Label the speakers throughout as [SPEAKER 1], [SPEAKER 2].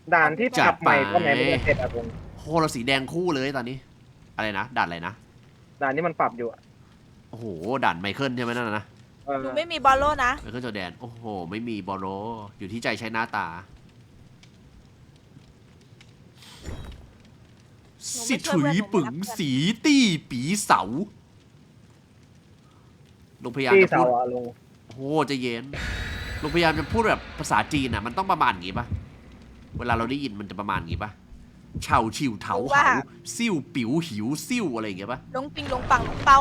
[SPEAKER 1] ด่านที่จับใหม่ก็ไหนมันจะเสร็จอะผม
[SPEAKER 2] โหเราสีแดงคู่เลยตอนนี้ อะไรนะด่านอะไรนะ
[SPEAKER 1] ด่านที่มันปรับอยู่อะ
[SPEAKER 2] โอ้โหด่านไมเคิลใช่ไหมนั่นนะ
[SPEAKER 1] เออ
[SPEAKER 3] หนูไม่มีบอลโล่นะ
[SPEAKER 2] ไมเคิลจอร์แดนโอ้โหไม่มีบอลโลอยู่ที่ใจใช้หน้าตา
[SPEAKER 3] หนู
[SPEAKER 2] สิ
[SPEAKER 3] ไม่ช่วย
[SPEAKER 2] ถุย
[SPEAKER 3] เพื่อนหนู
[SPEAKER 2] ปึง
[SPEAKER 3] ไม่รักเพื่อน
[SPEAKER 2] สีตี้ปีเสาลุงพยายาม
[SPEAKER 1] ที่
[SPEAKER 2] จะ
[SPEAKER 1] เสา
[SPEAKER 2] พูด
[SPEAKER 1] อะลุง
[SPEAKER 2] โอ้โหใจะเย็นลุงพยายามจะพูดแบบภาษาจีนอ่ะมันต้องประมาณอย่างงี้ปะเวลาเราได้ยินมันจะประมาณอย่างงี้ปะเฉาฉิวเถาเหาซิ่วปิ๋วหิวซิ่วอะไรอย่างเงี้ยปะ
[SPEAKER 3] ลงปิงลงปังลงเปา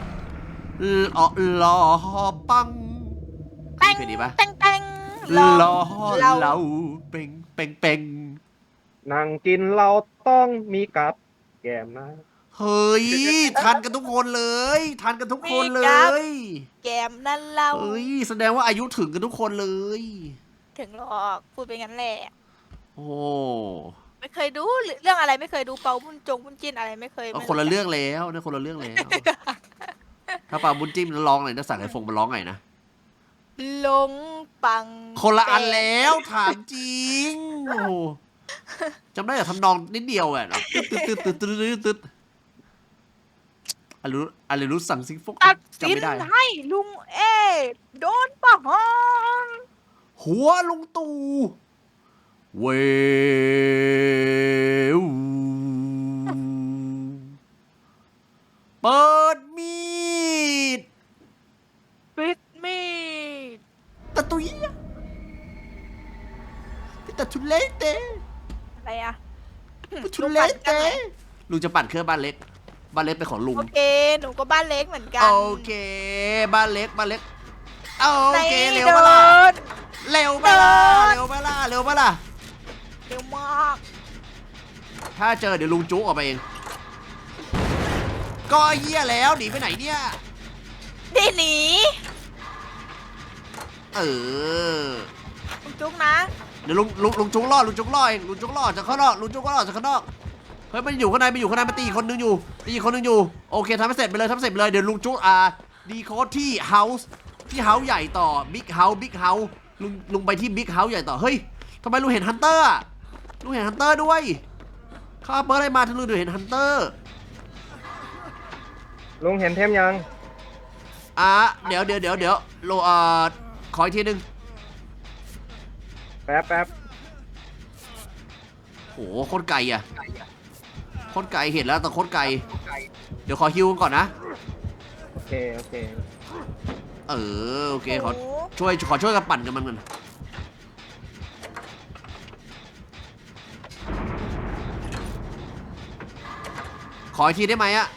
[SPEAKER 2] ลอปัง
[SPEAKER 3] แป้ง
[SPEAKER 2] เคยดีปะ
[SPEAKER 3] แป้งแป้ง
[SPEAKER 2] ลอ
[SPEAKER 3] เรา
[SPEAKER 2] เราเป่งเป่งเป่ง
[SPEAKER 1] นั่งกินเราต้องมีกับแกมนะ
[SPEAKER 2] เฮ้ยทันกันทุกคนเลยทันกันทุกคนเล
[SPEAKER 3] มีครับ
[SPEAKER 2] ย
[SPEAKER 3] แกมนั่นเรา
[SPEAKER 2] เฮ้ยแสดงว่าอายุถึงกันทุกคนเลย
[SPEAKER 3] ถึงหรอกพูดไปงั้นแหละ
[SPEAKER 2] โอ้
[SPEAKER 3] ไม่เคยดูเรื่องอะไรไม่เคยดูเปาบุญบุญจินอะไรไม่เคย
[SPEAKER 2] เอา
[SPEAKER 3] ไม่
[SPEAKER 2] คนละเรื่องแล้วเนี่ยคนละเรื่องแล้ว ถ้าปาบุญจิ้มร้องหน่อยนะสั่งไอ้ฟงมาร้องไงนะ
[SPEAKER 3] ลงปัง
[SPEAKER 2] คนละอันแล้วถามจริงโอ้โหจำได้แต่ทำนองนิดเดียวอะตึ๊ดตึ๊ดตึ๊ดตึ๊ดตึ๊ดตึ๊ดอะไรรู้สั่งซิงฟก
[SPEAKER 3] ตัด
[SPEAKER 2] จำ
[SPEAKER 3] สิน
[SPEAKER 2] ไม่ได้
[SPEAKER 3] ให้ลุงเอโดนประหาร
[SPEAKER 2] หัวลุงตู่เววเปิดมีด
[SPEAKER 3] ปิดมีด
[SPEAKER 2] ตะตุยตะทุเลเต
[SPEAKER 3] อะไรอะ
[SPEAKER 2] ตะทุเลเตลุงจะปั่นเครื่องบ้านเล็กบ้านเล็กเป็นของลุง
[SPEAKER 3] โอเคหนูก็บ้านเล็กเหมือนกัน
[SPEAKER 2] โอเคบ้านเล็กโอเคเร็ว
[SPEAKER 3] เดิ
[SPEAKER 2] ปะล่ะ
[SPEAKER 3] น
[SPEAKER 2] เร็วปะล่ะเร็วปะล่ะเร็วปะล่ะ
[SPEAKER 3] เร็วมาก
[SPEAKER 2] ถ้าเจอเดี๋ยวลุงจุ๊กออกไปเองก็เหี้ยแล้วหนีไปไหนเนี่ย
[SPEAKER 3] นี่หนี
[SPEAKER 2] เออ
[SPEAKER 3] คุณจุ๊กนะ
[SPEAKER 2] เดี๋ยวลุงจุ๊กล่อลุงจุ๊กล่อเองลุงจุ๊กล่อจากข้างนอกลุงจุ๊กล่อจากข้างนอกเฮ้ยมันอยู่ข้างในมันตีคนนึงอยู่โอเคทำให้เสร็จไปเลยเดี๋ยวลุงจุ๊กดีโค้ดที่เฮาส์ใหญ่ต่อบิ๊กเฮาส์ลุงไปที่บิ๊กเฮาส์ใหญ่ต่อเฮ้ยทำไมลุงเห็นฮันเตอร์อะลุงเห็นฮันเตอร์ด้วยข้าเปิดอะไรมาถึงลุงเห็นฮันเตอร์
[SPEAKER 1] ลุงเห็นเทมยัง
[SPEAKER 2] เดี๋ยวโลขออีกทีนึง
[SPEAKER 1] แป๊บ
[SPEAKER 2] โหโคตรไกลอ่ะโคตรไกลเห็นแล้วแต่โคตรไกลเดี๋ยวขอฮิวก่อนนะ
[SPEAKER 1] โอเค
[SPEAKER 2] โอเคขอช่วยกันปั่นกันมันขออีกทีได้ไหมอะ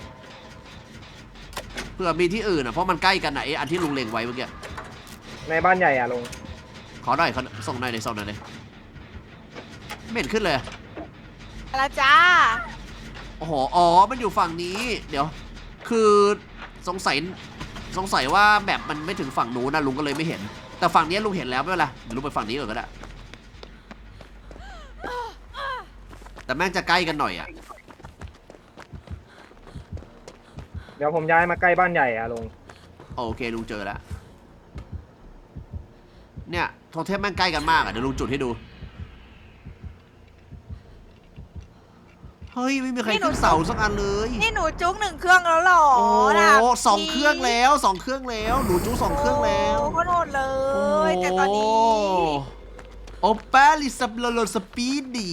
[SPEAKER 2] เผื่อมีที่อื่นอ่ะเพราะมันใกล้กันไหนอันที่ลุงเล็งไว้เมื่อกี้
[SPEAKER 1] ในบ้านใหญ่อะลุง
[SPEAKER 2] ขอหน่อยส่งหน่อยเลยไม่เห็นขึ้นเลย
[SPEAKER 3] อะไรจ้า
[SPEAKER 2] โอ้โหมันอยู่ฝั่งนี้เดี๋ยวคือสงสัยว่าแบบมันไม่ถึงฝั่งนู้นนะลุงก็เลยไม่เห็นแต่ฝั่งนี้ลุงเห็นแล้วไม่เป็นไรเดี๋ยวลุงไปฝั่งนี้ก่อนก็ได้แต่แม่งจะใกล้กันหน่อยอ่ะ
[SPEAKER 1] เดี๋ยวผมย้ายมาใกล้บ้านใหญ่อะลุง
[SPEAKER 2] โอเคลุงเจอแล้วเนี่ยโทเทมแม่งใกล้กันมากอ่ะเดี๋ยวลุงจุดให้ดูเฮ้ยไม่มีใครขึ้นเสาสักอันเลย
[SPEAKER 3] นี่หนูจุ๊กหนึ่งเครื่องแล้วหรอ
[SPEAKER 2] โอ้
[SPEAKER 3] น่ะ
[SPEAKER 2] 2 เครื่องแล้วหนูจู้2 เครื่องแล้ว
[SPEAKER 3] โอ้โคตรโหดเลยแต่ตอนนี้
[SPEAKER 2] โอเปลิสโลสปีดดี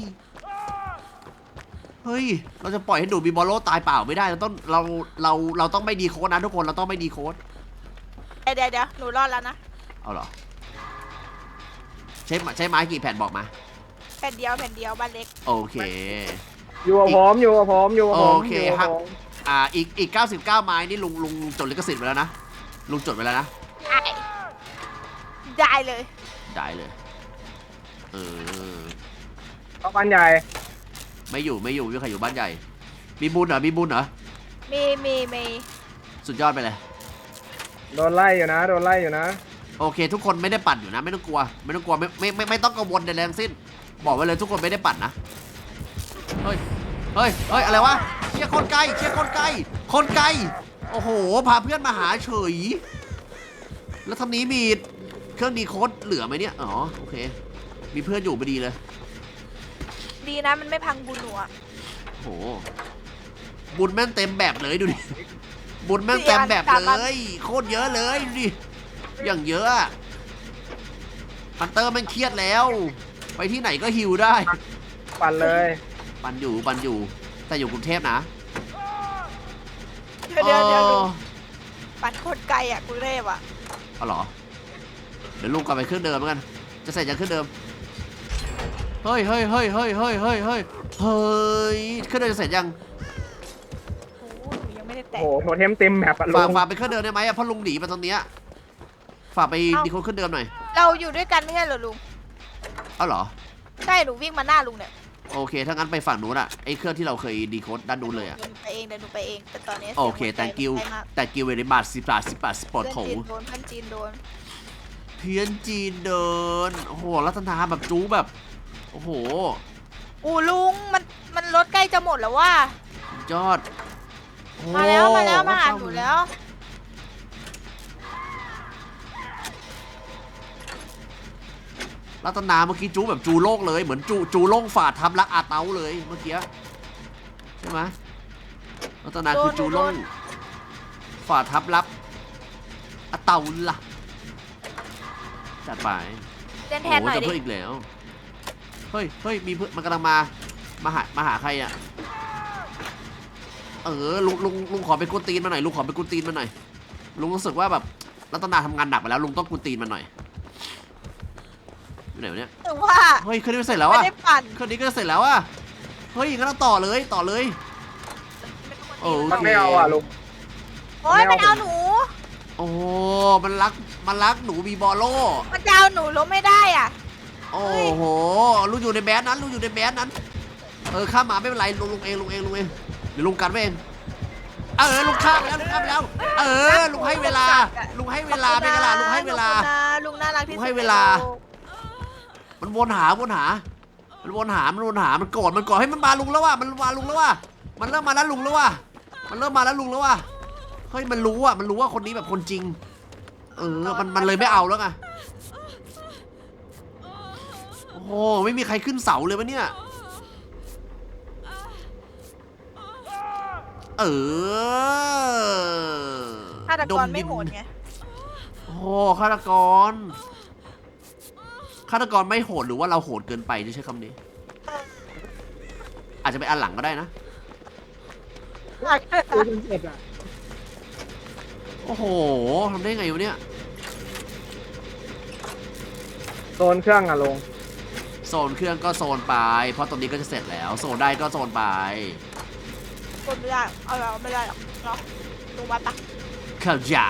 [SPEAKER 2] เฮ้ยเราจะปล่อยให้ดูบีบอลโลตายเปล่าไม่ได้เราต้องไม่ดีโค้ดนะทุกคนเราต้องไม่ดีโค้ด
[SPEAKER 3] เดี๋ยวหนูรอดแล้วนะ
[SPEAKER 2] เอาเหรอใช้ไม้กี่แผ่นบอกมา
[SPEAKER 3] แผ่นเดียวบ้านเล็ก
[SPEAKER 2] โอเค
[SPEAKER 1] อยู่กับผม
[SPEAKER 2] โอเคครับอีก99 ไม้นี่ลุงจดลิขสิทธิ์ไว้แล้วนะลุงจดไว้แล้วนะ
[SPEAKER 3] ได้เลย
[SPEAKER 2] ได้เลย
[SPEAKER 1] เข้าบ้านใหญ่
[SPEAKER 2] ไม่อยู่ใครอยู่บ้านใหญ่มีบุญเหรอ
[SPEAKER 3] มี
[SPEAKER 2] สุดยอดไปเลย
[SPEAKER 1] โดนไล่อยู่นะ
[SPEAKER 2] โอเคทุกคนไม่ได้ปั่นอยู่นะไม่ต้องกลัวไม่ต้องกังวลใดๆทั้งสิ้นบอกไว้เลยทุกคนไม่ได้ปั่นนะเฮ้ยอะไรวะเชี่ยคนไกลโอ้โหพาเพื่อนมาหาเฉยแล้วทำนี้มีเครื่องดีโค้ดเหลือไหมเนี่ยอ๋อโอเคมีเพื่อนอยู่พอดีเลย
[SPEAKER 3] ดีนะมันไม่พังบุญหนูอะ
[SPEAKER 2] โหบุญแม่งเต็มแบบเลยดูดิบุญแม่งเต็มแบบเลยโคตรเยอะเลยดูดิอย่างเยอะฮันเตอร์แม่งเครียดแล้ว ไปที่ไหนก็ฮิวได้
[SPEAKER 1] ปั่นเลย
[SPEAKER 2] ปันอยู่แต่อยู่กรุงเทพนะ
[SPEAKER 3] เดี๋ยว
[SPEAKER 2] ออ
[SPEAKER 3] ปัดโคตรไกลอะกรุงเทพอะ
[SPEAKER 2] เอาเหรอเดี๋ยวลุงกลับไปเครื่องเดิมเหมือนกันจะใส่จากเครื่องเดิมเฮ้ยเครื่องเดิมจะเสร็จยัง
[SPEAKER 3] โอ้หนูยังไม่ได้แตะ
[SPEAKER 1] โอ้โหโทเทมเต็มแมปอะลุ
[SPEAKER 2] ฝาก
[SPEAKER 1] ง
[SPEAKER 2] ฝากไปเครื่องเดิมได้ไหมอะเพราะลุงหนีมาตรงเนี้ยฝากไปดีโคดเครื่องเดิมหน่อย
[SPEAKER 3] เราอยู่ด้วยกันไม่ใช่เหรอลุง
[SPEAKER 2] เอาเหรอ
[SPEAKER 3] ใช่หนูวิ่งมาหน้าลุงเนี่ย
[SPEAKER 2] โอเคถ้างั้นไปฝั่งนู้นอะไอเครื่องที่เราเคยดีโคดด้านนู้นเลยอะ
[SPEAKER 3] เดี๋ยวหนูไปเองแต่ตอนนี้
[SPEAKER 2] โอเค
[SPEAKER 3] สียงหัวใจ
[SPEAKER 2] thank you
[SPEAKER 3] มันใกล้มาก
[SPEAKER 2] thank you very much 10 บาทสปอร์ต
[SPEAKER 3] เพื่อน
[SPEAKER 2] โถ
[SPEAKER 3] จีนโดนเพื่อนจีนโดน
[SPEAKER 2] เพี้ยนจีนเดินโอ้โหรัตนาแบบจู๊แบบโอ้โห
[SPEAKER 3] อู้ลุงมันรถใกล้จะหมดแล้วว่ะ
[SPEAKER 2] ยอดโอ้
[SPEAKER 3] มาแล้วมาหาหนูแล้ว
[SPEAKER 2] รัตนาเมื่อกี้จูแบบจูโล่งเลยเหมือนจูโล่งฝาดทำรักอาเต้าเลยเมื่อกี้ใช่ไหมรัตนาคือจูโล่งฝาดทับรับอาเต้าล่ะจัดไป
[SPEAKER 3] เล่นแท
[SPEAKER 2] โอ้
[SPEAKER 3] นหน่อย
[SPEAKER 2] จะ
[SPEAKER 3] ดิ
[SPEAKER 2] เพิ่มอีกแล้วเฮ้ยมีเพื่อนมันกำลังมาหาใครอ่ะลุงขอไปกุนตีนมาหน่อยลุงขอไปกุนตีนมาหน่อยลุงรู้สึกว่าแบบรัตนาทำงานหนักไปแล้วลุงต้องกุนตีนมาหน่อยอยู่ไหนวะเนี่ย
[SPEAKER 3] ถึงว่า
[SPEAKER 2] เฮ้ยเครื่องนี้เสร็จแล้ว
[SPEAKER 3] ไม่
[SPEAKER 2] อ่ะ
[SPEAKER 3] ได้ปั่น
[SPEAKER 2] เครื่องนี้ก็เสร็จแล้วอ่ะเฮ้ยงั้นเราต่อเลยโอ
[SPEAKER 1] มัน
[SPEAKER 2] เค
[SPEAKER 1] ไม่เอาอะลุง
[SPEAKER 3] โอ้ยมันเอาหนู
[SPEAKER 2] โอ้มันรักหนูมีบอลโล่
[SPEAKER 3] มันจะเอาหนูล้มไม่ได้อ่ะ
[SPEAKER 2] โอ้โหลุงอยู่ในแบสนั้นข้ามหมาไม่เป็นไรลุงเองเดี๋ยวลุงกันไว้เองลุงข้ามไปแล้วลุงให้เวลาเป็นไงล่ะลุงให้เวลา
[SPEAKER 3] ลุงน่ารักที่สุด
[SPEAKER 2] ลุงให้เวลา มันวนหามันโกรธให้มันมาลุงแล้วว่ะมันเริ่มมาแล้วลุงแล้วว่ะเฮ้ยมันรู้ว่าคนนี้แบบคนจริงมันเลยไม่เอาแล้วไงโอ้โหไม่มีใครขึ้นเสาเลยวะเนี่ย
[SPEAKER 3] ฆาตกรไม่โหดไง
[SPEAKER 2] โอ้โหฆาตกรไม่โหดหรือว่าเราโหดเกินไปจะใช้คำนี้ อาจจะไปอันหลังก็ได้นะ
[SPEAKER 1] ดูจนเสร็จอะ
[SPEAKER 2] โอ้โหทำได้ไงวะเนี่ย
[SPEAKER 1] โซนเครื่องอะลุง
[SPEAKER 2] โซนเครื่องก็โซนไปเพราะตรงนี้ก็จะเสร็จแล้วโซนได้ก็โซนไป
[SPEAKER 3] คนไม่ได้เอาเราไม่ได้หรอกเนาะลุงมาปะ
[SPEAKER 2] เข้าใจ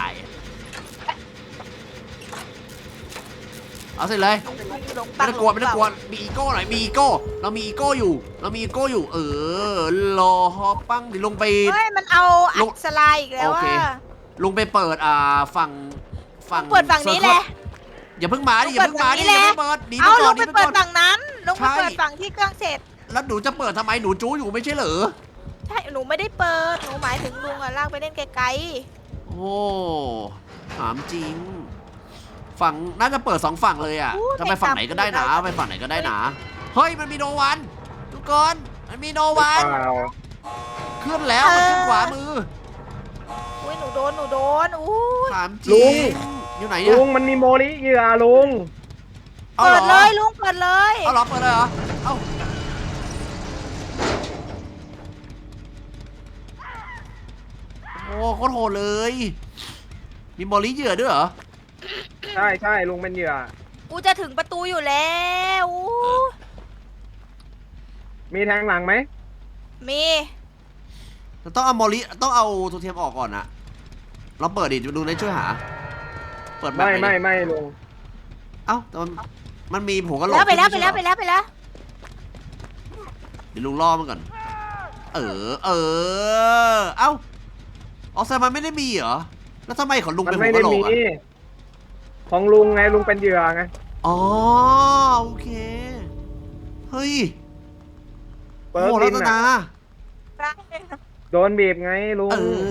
[SPEAKER 2] เอาเสร็จเลย
[SPEAKER 3] ลุง
[SPEAKER 2] ไม่ต้องกลัวมีอีโก้หน่อยมีอีโก้เรามีอีโก้อยู่รอฮอปปั้งเดี๋ยวลงไป
[SPEAKER 3] เฮ้ยมันเอา
[SPEAKER 2] ลุ
[SPEAKER 3] อั
[SPEAKER 2] ง
[SPEAKER 3] ดสไลด์อีกแล้ว
[SPEAKER 2] โอเค
[SPEAKER 3] ว่า
[SPEAKER 2] ลุงไปเปิดฝั่ง
[SPEAKER 3] เปิดฝั่งนี้แหละ
[SPEAKER 2] อย่าเพิ่งมาดิอย่าเพิ่งเปิดหนี
[SPEAKER 3] เอา
[SPEAKER 2] ไป
[SPEAKER 3] ลุ
[SPEAKER 2] ก่อง น
[SPEAKER 3] ไปเปิดฝั่งนั้นลุง
[SPEAKER 2] ใช่
[SPEAKER 3] ไปเปิดฝั่งที่เครื่องเสร็จ
[SPEAKER 2] แล้วหนูจะเปิดทำไมหนูจู้อยู่ไม่ใช่เหรอ
[SPEAKER 3] ใช่หนูไม่ได้เปิดหนูหมายถึงลุงอะลากไปเล่นไกล
[SPEAKER 2] โอ้ถามจริงฝั่งน่าจะเปิด2ฝั่งเลยอ่ะจะไปฝั่งไหนก็ได้นะไปฝั่งไหนก็ได้นะเฮ้ยมันมีโนวันทุกคนมันมีโนวัน
[SPEAKER 1] เปล่า
[SPEAKER 2] ขึ้นแล้วมันขึ้นขวามือ
[SPEAKER 3] ๆอุ้ยหนูโดนอู้
[SPEAKER 2] ถามจริงอยู่ไหนเนี่ย
[SPEAKER 1] ลุงมันมีโมลิเหยื่อลุง
[SPEAKER 2] เอา
[SPEAKER 3] เปิ
[SPEAKER 2] เหร
[SPEAKER 3] ด
[SPEAKER 2] อ
[SPEAKER 3] เลยลุงเปิดเลย
[SPEAKER 2] เอาเหรอเปิดเลยเหรอเอาโอ้โคตรโหดเลยมีมอลลี่เหยื่อด้วยเหรอ
[SPEAKER 1] ใช่ลุงเป็นเหยื่อ
[SPEAKER 3] กูจะถึงประตูอยู่แล้วอู้
[SPEAKER 1] มีแทงหลังไหม
[SPEAKER 3] มี
[SPEAKER 2] ต้องเอามอลลี่ต้องเอาตัวเทียมออกก่อนนะเราเปิดดิดูในช่วยหาเปิดแบบไหน
[SPEAKER 1] ไม่ลุง
[SPEAKER 2] เอ้าแต่มันมีหัวกะโหลก
[SPEAKER 3] แล้วไปแล้ว
[SPEAKER 2] ขึ้น
[SPEAKER 3] เ
[SPEAKER 2] ดี๋ยวลุงล่อมันก่อนเอ้าออกแซมมันไม่ได้มีเหรอแล้วทำไมของลุง
[SPEAKER 1] มั
[SPEAKER 2] เป็น
[SPEAKER 1] น
[SPEAKER 2] หั
[SPEAKER 1] ไม่
[SPEAKER 2] ว
[SPEAKER 1] ได้
[SPEAKER 2] กะโหล
[SPEAKER 1] มี
[SPEAKER 2] กอ่ะ
[SPEAKER 1] ของลุงไงลุงเป็นเหยื่อไง
[SPEAKER 2] อ๋อโอเคเฮ้ย
[SPEAKER 1] เปิ
[SPEAKER 2] โอ้
[SPEAKER 1] ด
[SPEAKER 2] โหรั
[SPEAKER 1] ดิน
[SPEAKER 2] ต
[SPEAKER 1] อะ
[SPEAKER 2] นา
[SPEAKER 1] โดนบีบไงลุง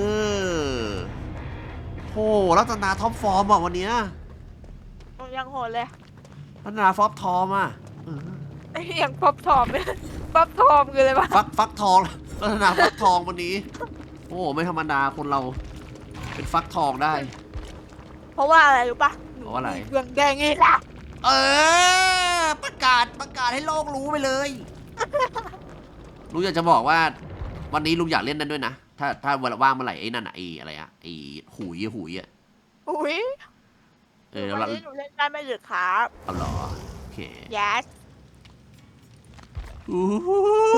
[SPEAKER 2] โอ้รัตนาท็อปฟอร์มอ่ะวันเนี้ย
[SPEAKER 3] ผมยังโหดเลย
[SPEAKER 2] รัตนาฟอปทอมอ่ะ
[SPEAKER 3] อย่างป๊อปทอมเนี่ยป๊อปทอมคืออะไรวะ
[SPEAKER 2] ฟักทองลักษณะฟักทองวันนี้ โอ้ไม่ธรรมดาคนเรา เป็นฟักทองได้
[SPEAKER 3] เพราะว่าอะไรรู้ปะ
[SPEAKER 2] เพราะว่าอะไร
[SPEAKER 3] เครื่องแดงนี่ล่ะ
[SPEAKER 2] ประกาศให้โลกรู้ไปเลย ลุงอยากจะบอกว่า วันนี้ลุงอยากเล่นนั่นด้วยนะ ถ้าเวลาว่างเมื่อไหร่ไอ้นั่นอะไอ้อะไรอะไอ้หุยอะ
[SPEAKER 3] อุ้ย
[SPEAKER 2] แล้ว
[SPEAKER 3] วันนี้หนูเล่นได้ไม่หรือครับ
[SPEAKER 2] เอาเหรอโอเค
[SPEAKER 3] yes
[SPEAKER 2] อู้หู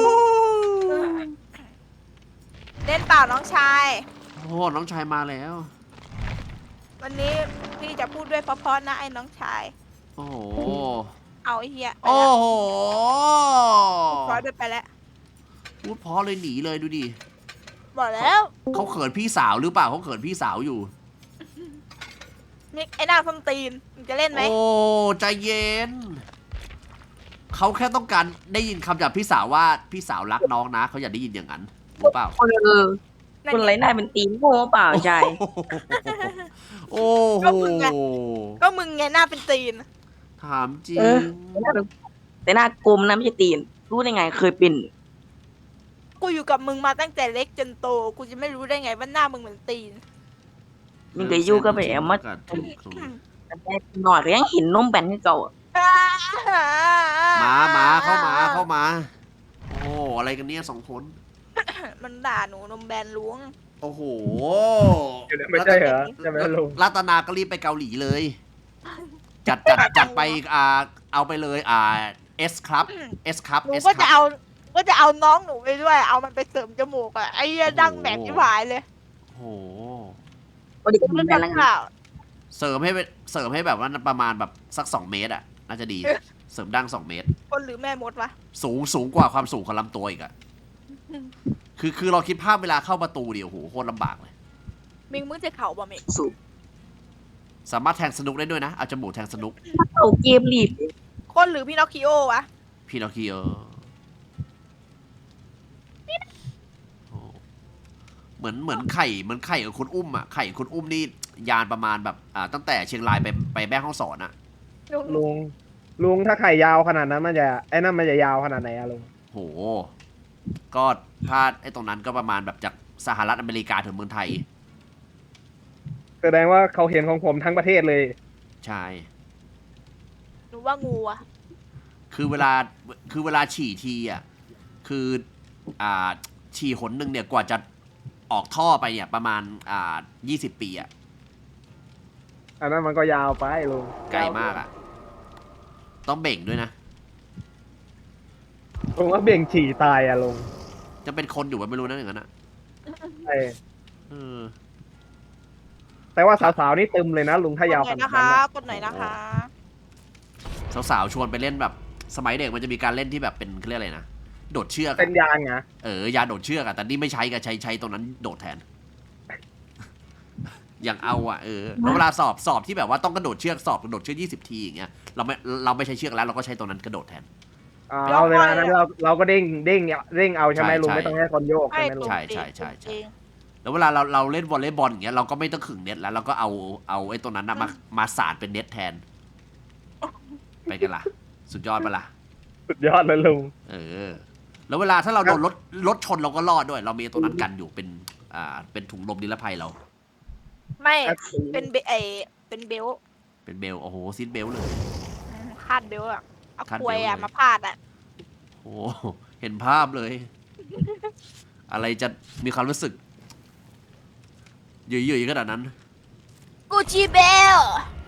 [SPEAKER 3] เล่นเปล่าน้องชาย
[SPEAKER 2] โอ้น้องชายมาแล้ว
[SPEAKER 3] วันนี้พี่จะพูดด้วยเพราะๆนะไอ้น้องชาย
[SPEAKER 2] โอ้โห
[SPEAKER 3] เอาไอ้เฮียไป
[SPEAKER 2] โอ้
[SPEAKER 3] แล้ว
[SPEAKER 2] โห
[SPEAKER 3] พอด้วยไปแล้ว
[SPEAKER 2] พูดเพอเลยหนีเลยดูดิ
[SPEAKER 3] บอกแล้ว
[SPEAKER 2] เขาเขินพี่สาวหรือเปล่าเขาเขินพี่สาวอยู่
[SPEAKER 3] นี่ไอ้หน้าส้นตีนมึงจะเล่นไหม
[SPEAKER 2] โอ้ใจเย็น เขาแค่ต้องการได้ยินคำจากพี่สาวว่าพี่สาวรักน้องนะเขาอยากได้ยินอย่างนั้นรู้เปล่า
[SPEAKER 3] นั่น
[SPEAKER 4] คน
[SPEAKER 3] ไง
[SPEAKER 4] ไรหน้าเป็นตีนโง่เปล่าใช่
[SPEAKER 2] โอ้โห
[SPEAKER 3] ก็มึงไงหน้าเป็นตีน
[SPEAKER 2] ถามจริง
[SPEAKER 4] แต่หน้ากลมนะไม่ใช่ตีน รู้ได้ไงเคยเป็น
[SPEAKER 3] กูอยู่กับมึงมาตั้งแต่เล็กจนโต กูจะไม่รู้ได้ไงว่าหน้ามึงเหมือนตีน
[SPEAKER 4] มึงเคยอยู่ก็ไปเอามาแต่หน่อยก็ยังเห็นนมแบนที่เก่าอะ
[SPEAKER 2] มาเข้ามา โอ้อะไรกันเนี่ย2 คน
[SPEAKER 3] มันด่าหนูนมแบนล้วง
[SPEAKER 2] โอ้โห
[SPEAKER 1] ไม่ใช่เหรอใช่ไหมลุง
[SPEAKER 2] รัตนาก็รีบไปเกาหลีเลย จัดไปเอาไปเลยS ครับ S ครับ
[SPEAKER 3] หนู
[SPEAKER 2] S
[SPEAKER 3] ก็
[SPEAKER 2] ค
[SPEAKER 3] จะ
[SPEAKER 2] รับ
[SPEAKER 3] เอาน้องหนูไปด้วย เอามันไปเสริมจมูกอะไอ้เหี้ยดังแบกที่หายเลย
[SPEAKER 2] โอ้โห
[SPEAKER 4] ก็เด็ก
[SPEAKER 3] กู
[SPEAKER 4] น
[SPEAKER 3] เล่
[SPEAKER 4] ม
[SPEAKER 3] น
[SPEAKER 4] แบนแล้วไง
[SPEAKER 3] ข่าว
[SPEAKER 2] เสริมให้แบบว่าประมาณแบบสัก2 เมตรอ่ะน่าจะดี เสริมดั้ง2 เมตร
[SPEAKER 3] คนหรือแม่มดวะ
[SPEAKER 2] สูงกว่าความสูงของลำตัวอีกอ่ะคือเราคิดภาพเวลาเข้าประตูเดียวโหโคตรลำบากเลย
[SPEAKER 3] มิงมึงจะเข่าบ่มิง
[SPEAKER 4] สูบ
[SPEAKER 2] สามารถแทงสนุกได้ด้วยนะเอาจมูกแทงสนุก
[SPEAKER 4] เอาเกมรีบ
[SPEAKER 3] คนหรือพี่นอคคิโอวะ
[SPEAKER 2] พี่นอคิโอโอ้เหมือนไข่กับคุณอุ้มอ่ะไข่กับคุณอุ้มนี่ยานประมาณแบบตั้งแต่เชียงรายไปแม่ฮ่องสอนอ่ะ
[SPEAKER 1] ลุงถ้าไข่ยาวขนาดนั้นมันจะไอ้นั่นมันจะยาวขนาดไหนอะลุง
[SPEAKER 2] โห ก็ถ้าไอ้ตรงนั้นก็ประมาณแบบจากสหรัฐอเมริกาถึงเมืองไทย
[SPEAKER 1] แสดงว่าเขาเห็นของผมทั้งประเทศเลย
[SPEAKER 2] ใช่
[SPEAKER 3] หนูว่างูอะ
[SPEAKER 2] คือเวลาฉี่ทีอ่ะ คือฉี่หนหนึ่งเนี่ยกว่าจะออกท่อไปเนี่ยประมาณ20 ปีอ่ะ
[SPEAKER 1] อันนั้นมันก็ยาวไปลุง
[SPEAKER 2] ไกลมากอ่ะ ต้องเบ่งด้วยนะ
[SPEAKER 1] ลุงว่าเบ่งฉี่ตายอะลุง
[SPEAKER 2] จะเป็นคนอยู่ว่าไม่รู้นะอย่างนั้นอ่ะ
[SPEAKER 1] ใช่
[SPEAKER 2] เออ
[SPEAKER 1] แต่ว่าสาวๆนี่ตึมเลยนะลุงถ้ายาว
[SPEAKER 3] ก
[SPEAKER 1] ข
[SPEAKER 3] ดหน่อย
[SPEAKER 1] นาด
[SPEAKER 3] นะ
[SPEAKER 1] นั้
[SPEAKER 3] คะ
[SPEAKER 1] นอะ
[SPEAKER 3] กดหน่อยนะคะ
[SPEAKER 2] สาวๆชวนไปเล่นแบบสมัยเด็กมันจะมีการเล่นที่แบบเป็นเขาเรียกอะไรนะ โดดเชือก
[SPEAKER 1] เป็นยางอะ
[SPEAKER 2] ยาโดดเชือกอะแต่นี่ไม่ใช้กับใช้ตรงนั้นโดดแทน อย่างเอาอะแล้วเวลาสอบที่แบบว่าต้องกระโดดเชือกกระโดดเชือก20 ทีอย่างเงี้ยเราไม่ใช้เชือกแล้วเราก็ใช้ตรงนั้นกระโดดแทน
[SPEAKER 1] เราเวลานั้นเราก็เด้งเอาใช่ไหมลุง
[SPEAKER 2] ใช่
[SPEAKER 1] ไม่ต้องให้คนโยกใช่ไหมลุง
[SPEAKER 2] ใช่แล้วเวลาเราเล่นวอลเลย์บอลอย่างเงี้ยเราก็ไม่ต้องขึงเน็ตแล้วเราก็เอาไอ้ตรงนั้นนะมาสานเป็นเน็ตแทน ไปกันล่ะ สุดยอดปะล่ะ
[SPEAKER 1] สุดยอดเลยลุง
[SPEAKER 2] แล้วเวลาถ้าเราโดนรถชนเราก็รอดด้วย เรามีตัวนั้นกันอยู่เป็นถุงลมนิรภัยเรา
[SPEAKER 3] ไม่เป็นเป็นเบลต์
[SPEAKER 2] เป็นเบลโอ้โหซีทเบลเลย
[SPEAKER 3] คาดเบลต์อะเอา
[SPEAKER 2] คาด
[SPEAKER 3] ค
[SPEAKER 2] เบลต์
[SPEAKER 3] วยอะ
[SPEAKER 2] เลย
[SPEAKER 3] มาพาดอะ
[SPEAKER 2] โอ้เห็นภาพเลย อะไรจะมีความรู้สึกหยุ่ยๆขนาดนั้น
[SPEAKER 3] กูจีเบล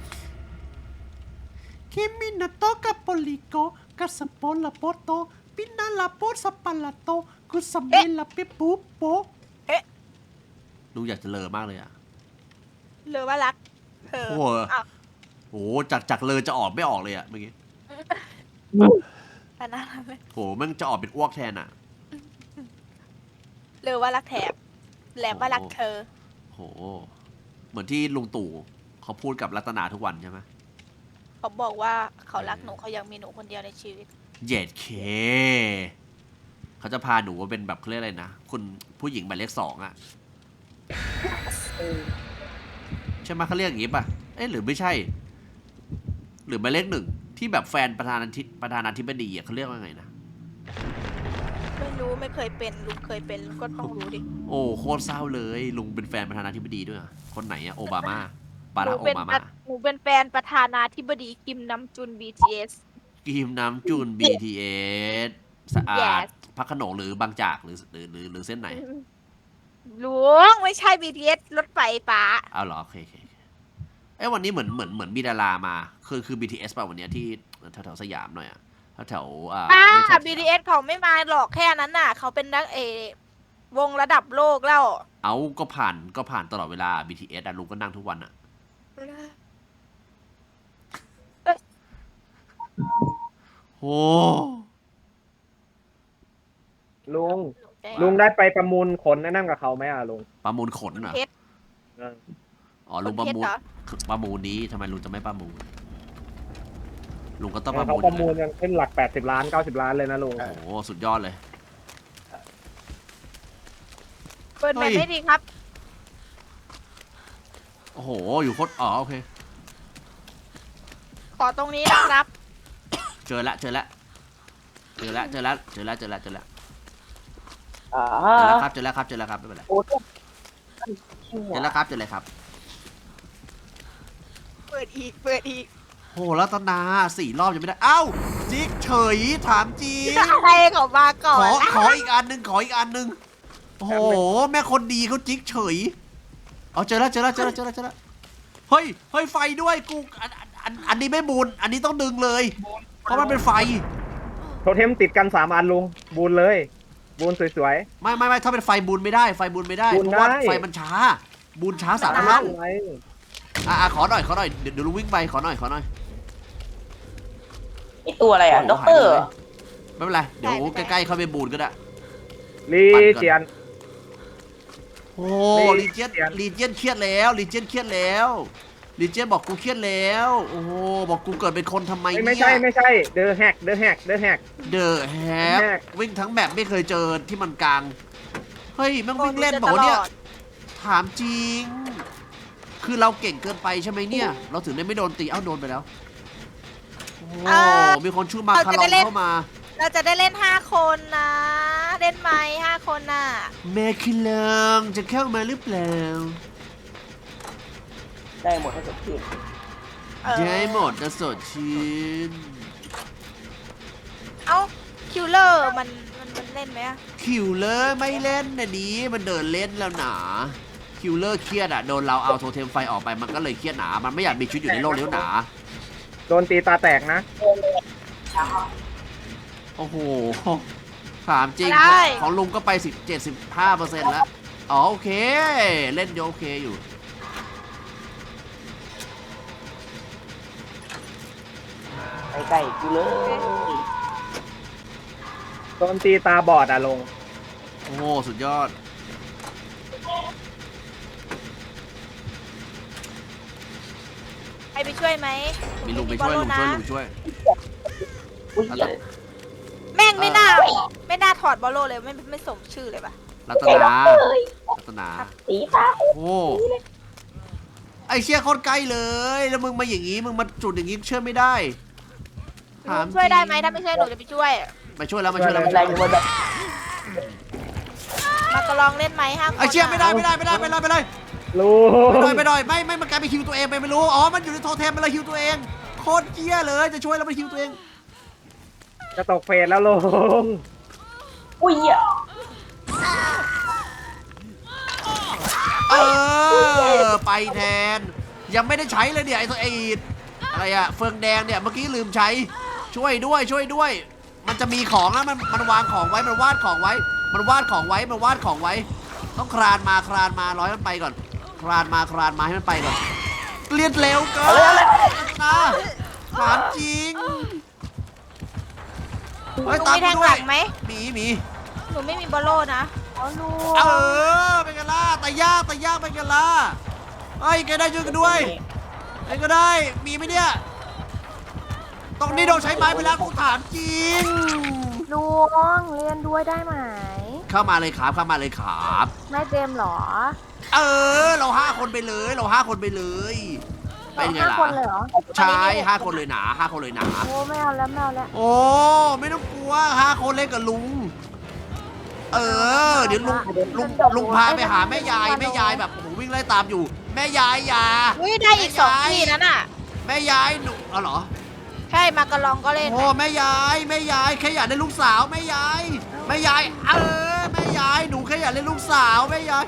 [SPEAKER 2] คิมินาโตกับโปลิโกกัสปอลาโปโตปินาลาโปสปาลาโตกุสเมลาเปปูโปดูอยากจะเลอมากเลยอ่ะ
[SPEAKER 3] หรือว่ารักเธอ
[SPEAKER 2] โอ้โห
[SPEAKER 3] อ้าว
[SPEAKER 2] โอ้จากเลอจะออกไม่ออกเลยอ่ะเมื่อกี้
[SPEAKER 3] แต่น่ารักไหม
[SPEAKER 2] โหมันจะออกเป็นอ้วกแทนอ่ะ
[SPEAKER 3] หรือว่ารักแถบแหลมว่ารักเธอ
[SPEAKER 2] โหเหมือนที่ลุงตู่เขาพูดกับรัตนาทุกวันใช่ไหม
[SPEAKER 3] เขาบอกว่าเขารักหนูเขายังมีหนูคนเดียวในชีวิต
[SPEAKER 2] เย็ดเคเขาจะพาหนูมาเป็นแบบเขาเรียกอะไรนะคุณผู้หญิงหมายเลข2อ่ะใช่ไหมเขาเรียกอย่างงี้ป่ะหรือไม่ใช่ หรือหมายเลข1 ที่แบบแฟนประธานาธิบดีอะเขาเรียกว่าไงนะ
[SPEAKER 3] ไม่รู้ไม่เคยเป็นลุงเคยเป็นลุงก็ต้องรู้ดิ
[SPEAKER 2] โอ้โคตรเศร้าเลยลุงเป็นแฟนประธานาธิบดีด้วยอะคนไหนอะโอบามาบา
[SPEAKER 3] หนู
[SPEAKER 2] รักโอ
[SPEAKER 3] เป็น
[SPEAKER 2] บา
[SPEAKER 3] ป
[SPEAKER 2] มา
[SPEAKER 3] ระหนูเป็นแฟนประธานาธิบดีคิมนำจุน BTS
[SPEAKER 2] กิมน้ำจูน BTS สะอาด
[SPEAKER 3] Yes
[SPEAKER 2] พระโขนงหรือบางจากหรือเส้นไหน
[SPEAKER 3] ลุงไม่ใช่ BTS รถไฟฟ้า
[SPEAKER 2] เอาเหรอโอเคเอ้ยวันนี้เหมือนมีดารามาคือ BTS ป่ะวันเนี้ยที่แถวสยามหน่อยอะแถว
[SPEAKER 3] ป้า
[SPEAKER 2] ไม่ใช่
[SPEAKER 3] BTS เขาไม่มาหรอกแค่นั้นน่ะ เขาเป็นนักวงระดับโลกแล้ว
[SPEAKER 2] เอาก็ผ่านตลอดเวลา BTS อะลุงก็นั่งทุกวันอะโอ้
[SPEAKER 1] ลุงได้ไปประมูลขนนั่นกับเขาไหมอ่ะลุง
[SPEAKER 2] ประมูลขนเหรอ
[SPEAKER 3] เพชร
[SPEAKER 1] เออ
[SPEAKER 2] อ๋อลุงประมูล
[SPEAKER 3] ขนเพชรเหรอ
[SPEAKER 2] ประมูลนี้ทำไมลุงจะไม่ประมูลลุงก็ต้องประ
[SPEAKER 1] เขา
[SPEAKER 2] มูล
[SPEAKER 1] ประมูลกันขึ้นหลัก80 ล้าน 90 ล้านเลยนะลุง
[SPEAKER 2] โอ้โหสุดยอดเลย
[SPEAKER 3] เปิดแม
[SPEAKER 2] เฮ้
[SPEAKER 3] ป
[SPEAKER 2] ย
[SPEAKER 3] ไม่ดีครับ
[SPEAKER 2] โอ้โหอยู่โคตรอ๋อโอเค
[SPEAKER 3] ขอตรงนี้นะครับ
[SPEAKER 2] เจอแล้วไม่เป็นไร
[SPEAKER 4] โอ้
[SPEAKER 2] เจอแล้วครับเจอแล้วครับ
[SPEAKER 3] เปิดอีก
[SPEAKER 2] โหรัตนา4 รอบยังไม่ได้ เอ้าจิ๊กเฉยถามจริง
[SPEAKER 3] อะไรเขามาก่อน
[SPEAKER 2] ขออีกอันหนึ่งโอ้โหแม่คนดีเขาจิ๊กเฉยเอาเจอแล้วเฮ้ยไฟด้วยกูอันนี้ไม่บูนอันนี้ต้องดึงเลยเพราะมันเป็นไฟ
[SPEAKER 1] โทเทมติดกัน3 อันลุงบูนเลยบูนสวย
[SPEAKER 2] ไม่ถ้าเป็นไฟบูนไม่ได้เพ
[SPEAKER 1] บูน
[SPEAKER 2] ราะว่า
[SPEAKER 1] ได้
[SPEAKER 2] ไฟมันช้าบูนช้า
[SPEAKER 1] ๆ
[SPEAKER 2] 3 เท่า
[SPEAKER 1] ไว้
[SPEAKER 2] ขอหน่อยเดี๋ยวลุงวิ่งไปขอหน่อย
[SPEAKER 4] ไอตัวอะไรอ่ะด็อกเตอร์
[SPEAKER 2] ไม่เป็นไรเดี๋ยวใกล้ๆเข้าไปบูนก็ได้
[SPEAKER 1] ลีเจียน
[SPEAKER 2] โอ้
[SPEAKER 1] ลี
[SPEAKER 2] ลีเจียน
[SPEAKER 1] เจียน
[SPEAKER 2] ลีเจียนเครียดแล้วลีเจียนบอกกูเครียดแล้วโอ้โหบอกกูเกิดเป็นคนทำไมเนี่ย
[SPEAKER 1] ไม่ใช่เดอะแฮก
[SPEAKER 2] เดอะแฮกวิ่งทั้งแบบไม่เคยเจอที่มันกลางเฮ้ยแม่งวิ่งเล่นบอกว่าเนี่ยถามจริง คือเราเก่งเกินไปใช่ไหมเนี่ย เราถึงได้ไม่โดนตีเอ้าโดนไปแล้วโอ้มีคนชื่อมาคารอนเข้ามา
[SPEAKER 3] เราจะได้เล่น5 คนนะ เล่นไหม5 คนน่ะ
[SPEAKER 2] แม่คิลังจะเข้ามาหรือเปล่า
[SPEAKER 4] ได้หมดให้จบที่
[SPEAKER 2] ได้หมดนะสดชื่น
[SPEAKER 3] เอ้าคิวเลอร์มันเล่นไหมอะ
[SPEAKER 2] คิวเลอร์ไม่เล่นนะนี้มันเดินเล่นแล้วหนาคิวเลอร์เครียดอะโดนเราเอาโทเทมไฟออกไปมันก็เลยเครียดหนามันไม่อยากมีชีวิตอยู่ในโลกนี้หนา
[SPEAKER 1] โดนตีตาแตกนะ
[SPEAKER 2] โอ้โหถามจริงของลุงก็ไป75%แล้วอ๋อโอเคเล่นโอเคอยู่
[SPEAKER 4] ไปใกล้กูเลย
[SPEAKER 1] โดนตีตาบอดอะลง
[SPEAKER 2] โอ้โหสุดยอด
[SPEAKER 3] ใครไปช่วยไหม
[SPEAKER 2] มีลุงไปช่วย
[SPEAKER 3] บอลโลนะ
[SPEAKER 2] ลุงช่วย
[SPEAKER 4] อุ้ยเหี้ย
[SPEAKER 3] แม่งไม่น่าถอดบอลโลเลยไม่สมชื่อเลยปะ
[SPEAKER 2] รัต
[SPEAKER 4] ไอ้ด็อก
[SPEAKER 2] นา
[SPEAKER 4] เตอร์เอ้ย
[SPEAKER 2] รัตนา
[SPEAKER 4] สีฟ้า
[SPEAKER 2] โอ้ไอเชี่ยโคตรใกล้เลยแล้วมึงมาอย่างงี้มึงมาจุดอย่างงี้เชื่อไม่ได้ถาม
[SPEAKER 3] ช่วยได้ไหม
[SPEAKER 2] จริง
[SPEAKER 3] ถ้าไม่ช่วยหนูจะไปช่วย
[SPEAKER 2] มาช่วยแล้วมาช่วยแล้ว
[SPEAKER 4] อะไรอยู่บนแบบ
[SPEAKER 3] มากระลองเล่นไหม5 คน
[SPEAKER 2] ไอเชี่ยไม่ได้ไปเลย
[SPEAKER 1] ลุง
[SPEAKER 2] ไม่มันกลายเป็นฮิวตัวเองไปไม่รู้อ๋อมันอยู่ในโทเทมมันเลยฮิวตัวเองโคตรเกี้ยเลยจะช่วยแล้วมันฮิวตัวเอง
[SPEAKER 1] จะตกเฟสแล้วลุง
[SPEAKER 4] อุ้ยเหี้ย
[SPEAKER 2] ไปแทนยังไม่ได้ใช้เลยเนี่ยไอตัวอะไรอะเฟืองแดงเนี่ยเมื่อกี้ลืมใช้ช่วยด้วย มันจะมีของนะมันวางของไว้มันวาดของไว้ต้องคลานมาร้อยมันไปก่อนคลานมาให้มันไปก่อนเรียนเร็วเกินนะถามจริง
[SPEAKER 3] หนู
[SPEAKER 2] เฮ้ย
[SPEAKER 3] มี
[SPEAKER 2] ตาม
[SPEAKER 3] แท
[SPEAKER 2] กู
[SPEAKER 3] ง
[SPEAKER 2] ด้
[SPEAKER 3] ห
[SPEAKER 2] ว
[SPEAKER 3] ลั
[SPEAKER 2] ย
[SPEAKER 3] งไหม
[SPEAKER 2] หมี
[SPEAKER 3] หนูไม่มีบอลโลนะอ๋อลูก
[SPEAKER 2] เป็นกันล่ะแต่ยากเป็นกันล่ะเฮ้ยแกได้ช่วยกันด้วยไอ้ก็ได้มีไหมเนี่ยตรงนี้โดนใช้ไม้ไปแล้วกูถามจริง
[SPEAKER 5] ลุงเรียนด้วยได้ไหม
[SPEAKER 2] เข้ามาเลยครับ
[SPEAKER 5] ไม่เจมส์เหรอ
[SPEAKER 2] เรา5 คนไปเลยเป็นไง
[SPEAKER 5] 5
[SPEAKER 2] ล่ะ
[SPEAKER 5] คนเลยเหรอ
[SPEAKER 2] ใช่5 คนเลยหนา5 คนเลยหนา
[SPEAKER 5] โอ้ไม่เอาแล้วไม่เอาแล้ว
[SPEAKER 2] โอ้ไม่ต้องกลัว5 คนเล่นกับลุง เดี๋ยวลุงพาไปหาแม่ยายแบบโอ้โหวิ่งไล่ตามอยู่ แม่ยายอย่า
[SPEAKER 3] อุ้ยได้อีก2 ที่นั้นอ่ะ
[SPEAKER 2] แม่ยายหนูเอาเหรอ
[SPEAKER 3] ใช่มากระลองก็เล่น
[SPEAKER 2] โอ้แม่ยายแค่อยากได้ลูกสาวแม่ยายแม่ยายแม่ยายหนูแค่อยากได้ลูกสาวแม่ยาย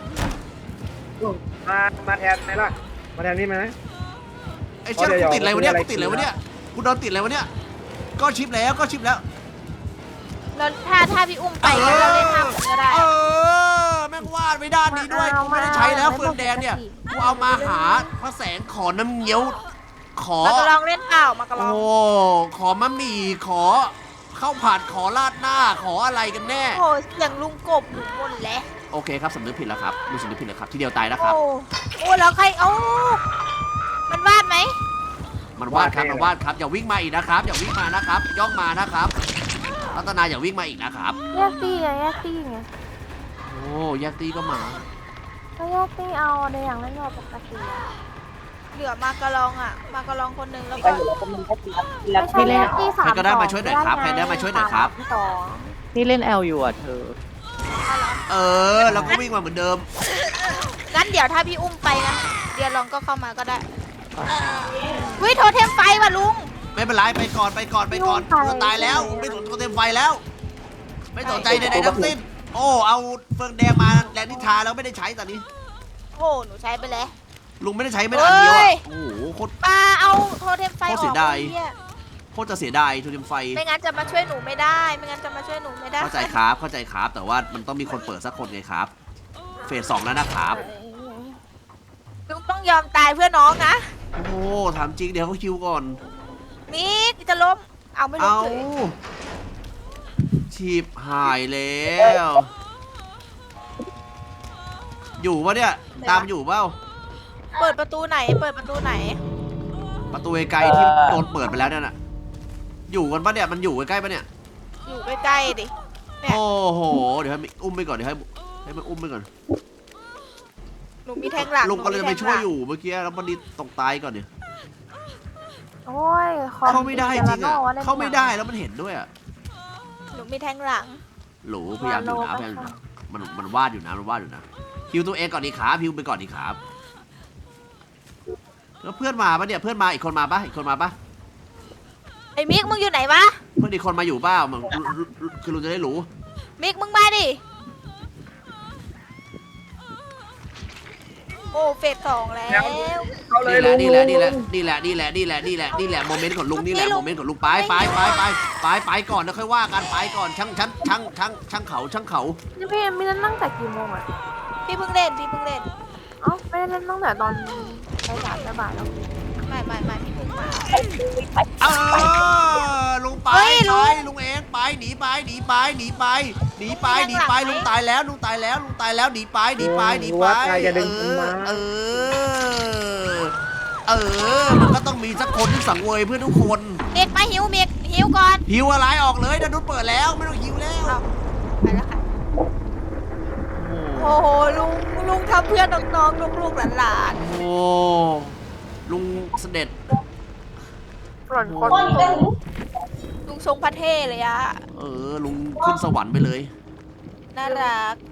[SPEAKER 1] มาแทนไหมล่ะมาแทนนี่ไหม
[SPEAKER 2] ไอ้เชี่ยกูติดอะไรวะเนี่ยกูติดอะไรวะเนี่ยกูโดนติดอะไรวะเนี่ยก็ชิปแล้ว
[SPEAKER 3] แล้วถ้าพี่อุ้มไปงั้นเราเล่น5 คนก็ได้
[SPEAKER 2] แม่งวาดไว้ด้านนี้ด้วยกูไม่ได้ใช้แล้วเฟืองแดงเนี่ยกูเอามาหาพระแสงขอน้ำเงี้ยวขอ
[SPEAKER 3] มากระลองเล่นเปล่ามากระลอง
[SPEAKER 2] โอ้ขอมะหมี่ขอข้าวผัดขอราดหน้าขออะไรกันแน่
[SPEAKER 3] โอ้เสียงลุงกบหนูหมดแล้ว
[SPEAKER 2] โอเคครับสำนึกผิดแล้วครับรู้สำนึกผิดแล้วครับที่เดียวตายนะครับ
[SPEAKER 3] โอ้แล้วใครมันวาดไหม
[SPEAKER 2] มันวาดครับอย่าวิ่งมาอีกนะครับอย่าวิ่งมานะครับ ย่องมานะครับรัตนาอย่าวิ่งมาอีกนะครับ
[SPEAKER 5] แยกตี้ไงแยกตี้ไง
[SPEAKER 2] โอ้แยกตีก็มา
[SPEAKER 5] ก็แยกตี้เอาในอย่างเล่นเราปกติอะ
[SPEAKER 3] เหลือมากระลองอ่ะมากระลองคนหนึงแล้วก็
[SPEAKER 5] ไม่ใช่แยกตี้3
[SPEAKER 2] ใครก็ได้มาช่วยหน่อยครับใครได้มาช่วยหน่อยครับ
[SPEAKER 5] 2
[SPEAKER 6] นี่เล่นแอลอยู่อ่ะเธอ
[SPEAKER 2] แล้วก็วิ่งมาเหมือนเดิม
[SPEAKER 3] งั้นเดี๋ยวถ้าพี่อุ้มไปนะเดี๋ยวลองก็เข้ามาก็ได้วิโทเทมไฟว่ะลุง
[SPEAKER 2] ไม่เป็นไรไปก่อนจะตายแล้วไม่สนตัวเต็มไฟแล้ว ไม่สนใจใดๆทั้งสิ้นโอ้เอาเฟืองแดงมาแลนนิทาแล้วไม่ได้ใช้ตอนนี้
[SPEAKER 3] โอ้หนูใช้ไปแล้ว
[SPEAKER 2] ลุงไม่ได้ใช้ไม่ได้อันเดียว
[SPEAKER 3] เฮ้
[SPEAKER 2] อะ
[SPEAKER 3] ย
[SPEAKER 2] โอ้โหโคตร
[SPEAKER 3] ปาเอาโทเทมไฟอ
[SPEAKER 2] โค
[SPEAKER 3] อ
[SPEAKER 2] ตรเสี
[SPEAKER 3] ก
[SPEAKER 2] ยดาย
[SPEAKER 3] ไอ้เหี้ย
[SPEAKER 2] โคตรจะเสียดายทูเทมไฟ
[SPEAKER 3] ไม่งั้นจะมาช่วยหนูไม่ได้ไม่งั้นจะมาช่วยหนูไม่ได้
[SPEAKER 2] เข้าใจครับแต่ว่ามันต้องมีคนเปิดสักคนไงครับเฟส 2แล้วนะครับ
[SPEAKER 3] ลุงต้องยอมตายเพื่อน้องนะ
[SPEAKER 2] โอ้ถามจริงเดี๋ยวเขาคิวก่อน
[SPEAKER 3] มิกจะล้มเอาไม่ล้ม
[SPEAKER 2] เอา
[SPEAKER 3] เฉย
[SPEAKER 2] ชีพหายแล้ว อยู่ปะเนี่ยตามอยู่เปล่า
[SPEAKER 3] เปิดประตูไหนเปิดประตูไหน
[SPEAKER 2] ประตูไกลๆที่โดนเปิดไปแล้วเนี่ยน่ะอยู่กันปะเนี่ยมันอยู่ใกล้ๆปะเนี่ย
[SPEAKER 3] อยู่ใกล้ๆดิ เนี่ย
[SPEAKER 2] โอ้โหเดี๋ยวให้อุ้มไปก่อนเดี๋ยวให้มันอุ้มไปก่อน
[SPEAKER 3] หนูมีแทงหลัง
[SPEAKER 2] ลุงก็เลย
[SPEAKER 3] หนู
[SPEAKER 2] ไป
[SPEAKER 3] มีแทง
[SPEAKER 2] ช่วย
[SPEAKER 3] หลัง
[SPEAKER 2] อยู่เมื่อกี้แล้วมันดีตกตายก่อนเนี่ย
[SPEAKER 5] โอ้ย
[SPEAKER 2] เข้าไม่ได้จริงอ่ะเข้าไม่ได้แล้วมันเห็นด้วยอ่ะ
[SPEAKER 3] หนูมีแทงหลัง
[SPEAKER 2] หลูพยายามอยู่นะพยายามอยู่นะมันวาดอยู่นะฮิวตัวเองก่อนดีครับฮิวไปก่อนดีครับแล้วเพื่อนมาปะเนี่ยเพื่อนมาอีกคนมาปะ
[SPEAKER 3] ไอ้มิกมึงอยู่ไหนวะ
[SPEAKER 2] เพื่อนอีกคนมาอยู่เปล่ามันคือลุงจะได้รู้
[SPEAKER 3] มิกมึงมาดิ โอ้เฟส 2แล้ว
[SPEAKER 1] เข้าเลยลุง
[SPEAKER 2] นี่แหละโมเมนต์ของลุงนี่แหละโมเมนต์ของลุงไปก่อนแล้วค่อยว่ากันไปก่อนช่างเขา
[SPEAKER 5] นี่พี่ไม่ได้นั่งแต่กี่โมงอ่ะ
[SPEAKER 3] พี่เพิ่งเล่น
[SPEAKER 5] เอ้าไม่ได้เล่นตั้งแต่ตอนบ่ายแล้ว
[SPEAKER 3] ไม่พี่เพิ่งมา
[SPEAKER 2] ลุงไป
[SPEAKER 3] เฮ้ยลุง
[SPEAKER 2] ลุงเองไปหนีไปลุงตายแล้วหนีไป
[SPEAKER 1] ว่าใครจะดึงผมมา
[SPEAKER 2] มันก็ต้องมีสักคนที่สังเวยเพื่อนทุกคน
[SPEAKER 3] เด็กมาหิวมิกหิวก่อน
[SPEAKER 2] หิวอะไรออกเลยนะนุชเปิดแล้วไม่ต้องหิวแล้ว
[SPEAKER 3] เอาไปแล้วค่ะ โอ้โหลุงทำเพื่อนน้องๆลูกๆหลาน
[SPEAKER 2] โอ้ลุงเสด็จ
[SPEAKER 5] ส่วนคน
[SPEAKER 3] ๆลุงทรงพระเทพเลยอะ
[SPEAKER 2] ลุงขึ้นสวรรค์ไปเลย
[SPEAKER 3] น่ารัก